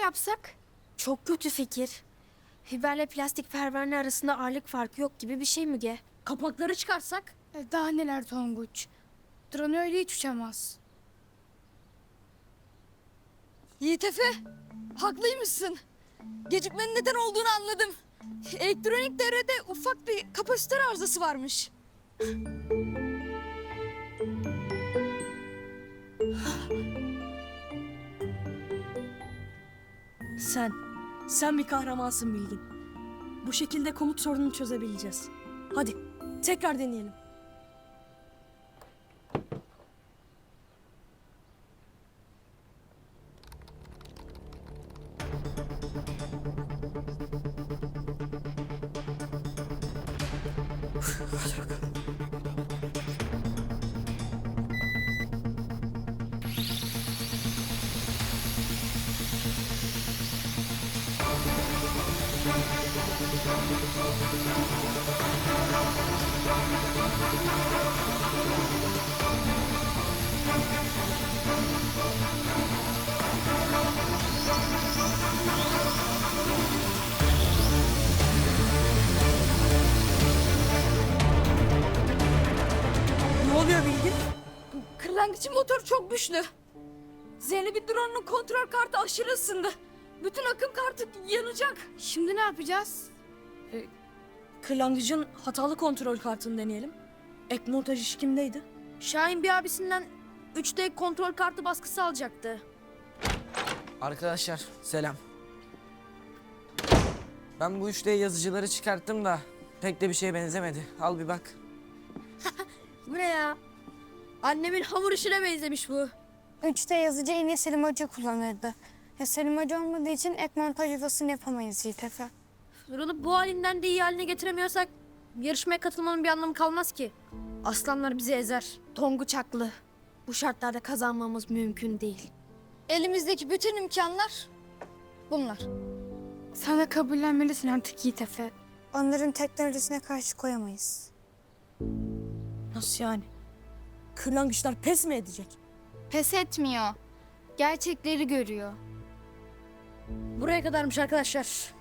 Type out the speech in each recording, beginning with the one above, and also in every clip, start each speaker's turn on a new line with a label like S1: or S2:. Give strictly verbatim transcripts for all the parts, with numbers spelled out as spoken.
S1: yapsak?
S2: Çok kötü fikir. Fiberle plastik pervane arasında ağırlık farkı yok gibi bir şey Müge.
S1: Kapakları çıkarsak?
S3: E, Daha neler Tonguç. Drone öyle hiç uçamaz.
S4: Yiğit Efe, haklıymışsın. Gecikmenin neden olduğunu anladım. Elektronik devrede ufak bir kapasitör arızası varmış.
S5: Sen, sen bir kahramansın Bilgin. Bu şekilde komut sorununu çözebileceğiz. Hadi, tekrar deneyelim. Ne oluyor Bilgin?
S4: Kırlangıçın motoru çok güçlü. Zeynep'in drone'un kontrol kartı aşırı ısındı. Bütün akım kartı yanacak.
S3: Şimdi ne yapacağız?
S5: Kırlangıcın hatalı kontrol kartını deneyelim. Ek montaj işi kimdeydi?
S2: Şahin bir abisinden üç D kontrol kartı baskısı alacaktı.
S6: Arkadaşlar selam. Ben bu üç D yazıcıları çıkarttım da pek de bir şeye benzemedi. Al bir bak.
S2: Bu ne ya? Annemin hamur işine benzemiş bu.
S7: üç D yazıcı en iyi Selim Hoca kullanırdı. Ya Selim Hoca olmadığı için ek montaj yuvasını yapamayız Yiğit Efe.
S2: Drone'u bu halinden de iyi haline getiremiyorsak yarışmaya katılmanın bir anlamı kalmaz ki. Aslanlar bizi ezer. Tonguç haklı. Bu şartlarda kazanmamız mümkün değil.
S4: Elimizdeki bütün imkanlar bunlar.
S3: Sen de kabullenmelisin artık Yiğit Efe.
S7: Onların teknolojisine karşı koyamayız.
S5: Nasıl yani? Kırlangıçlar pes mi edecek?
S3: Pes etmiyor. Gerçekleri görüyor.
S2: Buraya kadarmış arkadaşlar.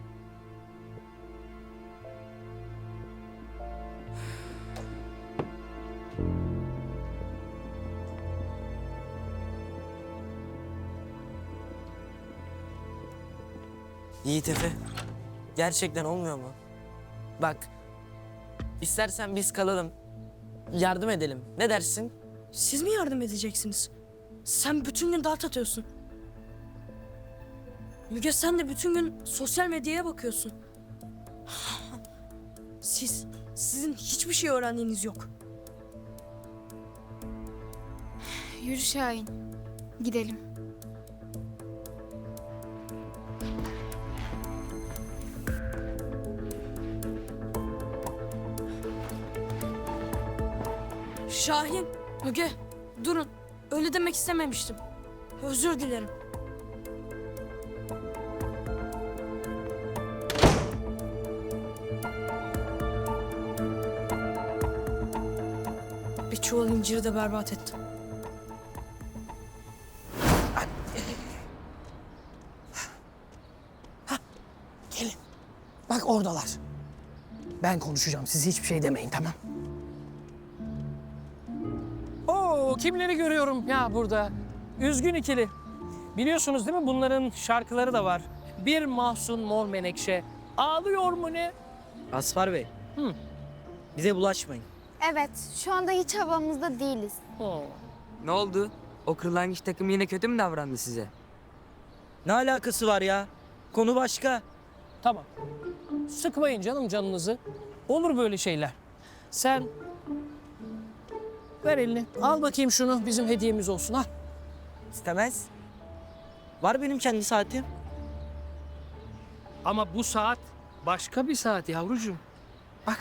S6: Yiğit Efe. Gerçekten olmuyor mu? Bak. İstersen biz kalalım. Yardım edelim. Ne dersin?
S5: Siz mi yardım edeceksiniz? Sen bütün gün dart atıyorsun. Müge sen de bütün gün sosyal medyaya bakıyorsun. Siz, sizin hiçbir şey öğrendiğiniz yok.
S3: Yürü Şahin. Gidelim.
S5: Şahin, Müge, durun. Öyle demek istememiştim. Özür dilerim. Bir çuval inciri de berbat ettim.
S8: Gelin. Bak oradalar. Ben konuşacağım. Siz hiçbir şey demeyin, tamam?
S9: Oo, kimleri görüyorum ya burada. Üzgün ikili. Biliyorsunuz değil mi bunların şarkıları da var. Bir mahzun mor menekşe ağlıyor mu ne?
S6: Asfar Bey.
S9: Hı.
S6: Bize bulaşmayın.
S7: Evet, şu anda hiç havamızda değiliz.
S9: Oo.
S10: Ne oldu? O kırlangıç takım yine kötü mü davrandı size?
S6: Ne alakası var ya? Konu başka.
S9: Tamam. Sıkmayın canım canınızı. Olur böyle şeyler. Sen ver elini. Al bakayım şunu. Bizim hediyemiz olsun. Ha.
S6: İstemez. Var benim kendi saatim.
S9: Ama bu saat başka bir saat yavrucuğum. Bak.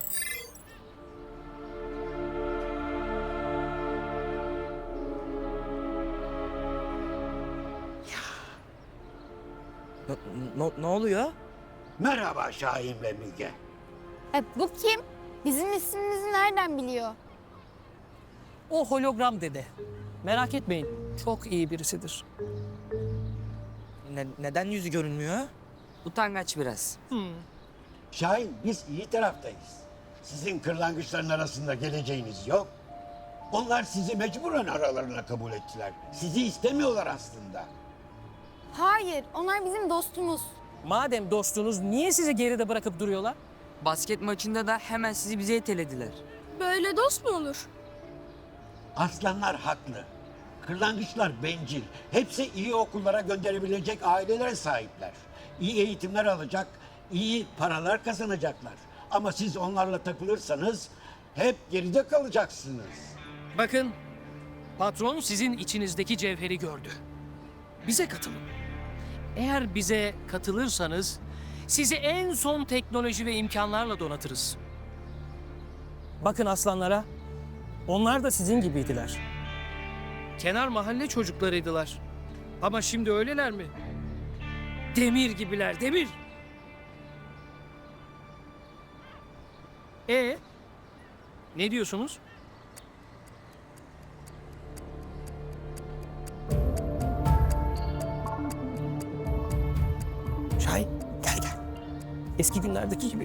S6: Ne, ne, ne oluyor?
S11: Merhaba Şahin ve Müge.
S7: E, bu kim? Bizim ismimizi nereden biliyor?
S9: O hologram dede. Merak etmeyin. Çok iyi birisidir.
S6: Ne- neden yüzü görünmüyor?
S10: Utangaç biraz.
S11: Şahin biz iyi taraftayız. Sizin kırlangıçların arasında geleceğiniz yok. Onlar sizi mecburen aralarına kabul ettiler. Sizi istemiyorlar aslında.
S7: Hayır, onlar bizim dostumuz.
S9: Madem dostunuz niye sizi geride bırakıp duruyorlar?
S10: Basket maçında da hemen sizi bize itelediler.
S2: Böyle dost mu olur?
S11: Aslanlar haklı. Kırlangıçlar bencil. Hepsi iyi okullara gönderebilecek ailelere sahipler. İyi eğitimler alacak, iyi paralar kazanacaklar. Ama siz onlarla takılırsanız hep geride kalacaksınız.
S9: Bakın, patron sizin içinizdeki cevheri gördü. Bize katılın. Eğer bize katılırsanız sizi en son teknoloji ve imkanlarla donatırız. Bakın aslanlara, onlar da sizin gibiydiler. Kenar mahalle çocuklarıydılar. Ama şimdi öyleler mi? Demir gibiler, demir. E ne diyorsunuz? Şahin, gel gel. Eski günlerdeki gibi.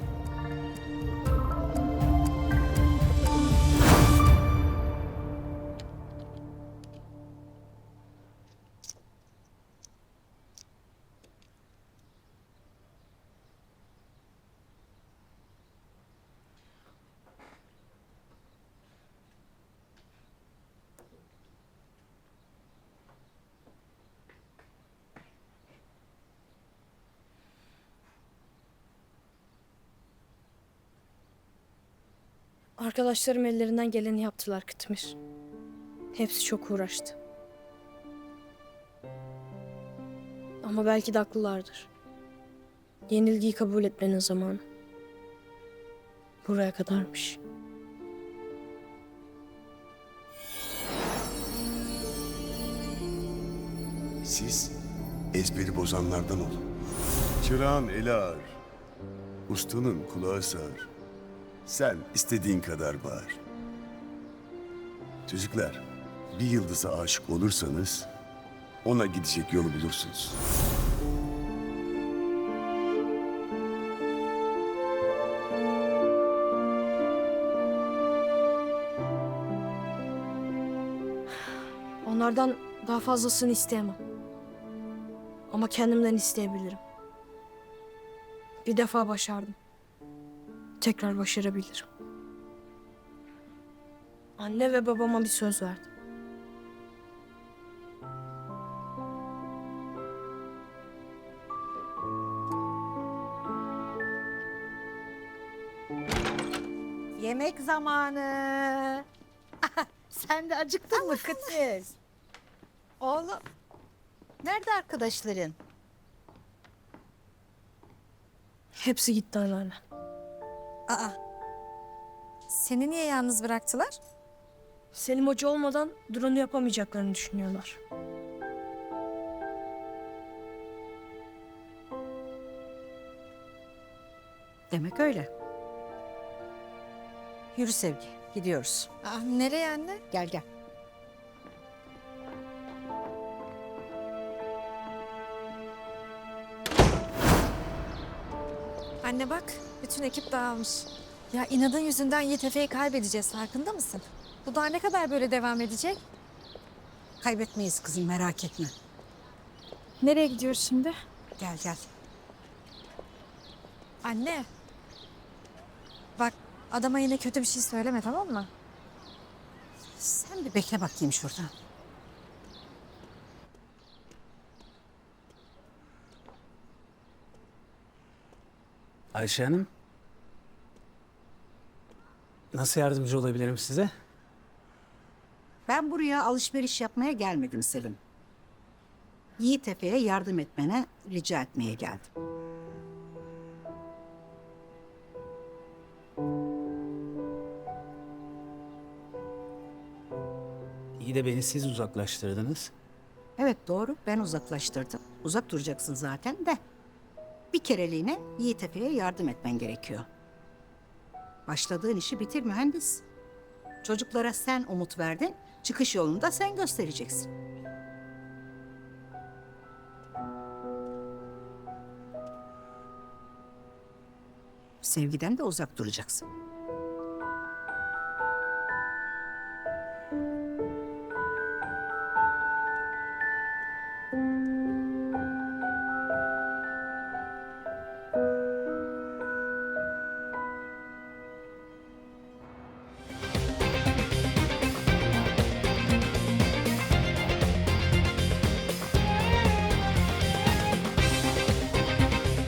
S2: Arkadaşlarım ellerinden geleni yaptılar Kıtmir. Hepsi çok uğraştı. Ama belki de haklılardır. Yenilgiyi kabul etmenin zamanı. Buraya kadarmış.
S1: Siz ezberi bozanlardan olun. Çırağın eli ağır, ustanın kulağı sağır. Sen istediğin kadar bağır. Çocuklar, bir yıldıza aşık olursanız ona gidecek yolu bulursunuz.
S2: Onlardan daha fazlasını isteyemem. Ama kendimden isteyebilirim. Bir defa başardım. Tekrar başarabilirim. Anne ve babama bir söz verdim.
S12: Yemek zamanı. Sen de acıktın mı kız? Oğlum, nerede arkadaşların?
S2: Hepsi gitti anneanne.
S12: Aa, seni niye yalnız bıraktılar?
S2: Selim Hoca olmadan drone'u yapamayacaklarını düşünüyorlar.
S12: Demek öyle. Yürü Sevgi, gidiyoruz.
S4: Aa, nereye anne?
S12: Gel gel.
S4: Anne bak, bütün ekip dağılmış. Ya inadın yüzünden Y T F'yi kaybedeceğiz, farkında mısın? Bu daha ne kadar böyle devam edecek?
S12: Kaybetmeyiz kızım, merak etme.
S4: Nereye gidiyoruz şimdi?
S12: Gel gel.
S4: Anne. Bak, adama yine kötü bir şey söyleme, tamam mı?
S12: Sen bir bekle bakayım şurada.
S13: Ayşe Hanım. Nasıl yardımcı olabilirim size?
S12: Ben buraya alışveriş yapmaya gelmedim Selim. Yiğit Efe'ye yardım etmene rica etmeye geldim.
S13: İyi de beni siz uzaklaştırdınız.
S12: Evet doğru, ben uzaklaştırdım. Uzak duracaksın zaten de. Bir kereliğine Yiğit Efe'ye yardım etmen gerekiyor. Başladığın işi bitir mühendis. Çocuklara sen umut verdin, çıkış yolunu da sen göstereceksin. Sevgiden de uzak duracaksın.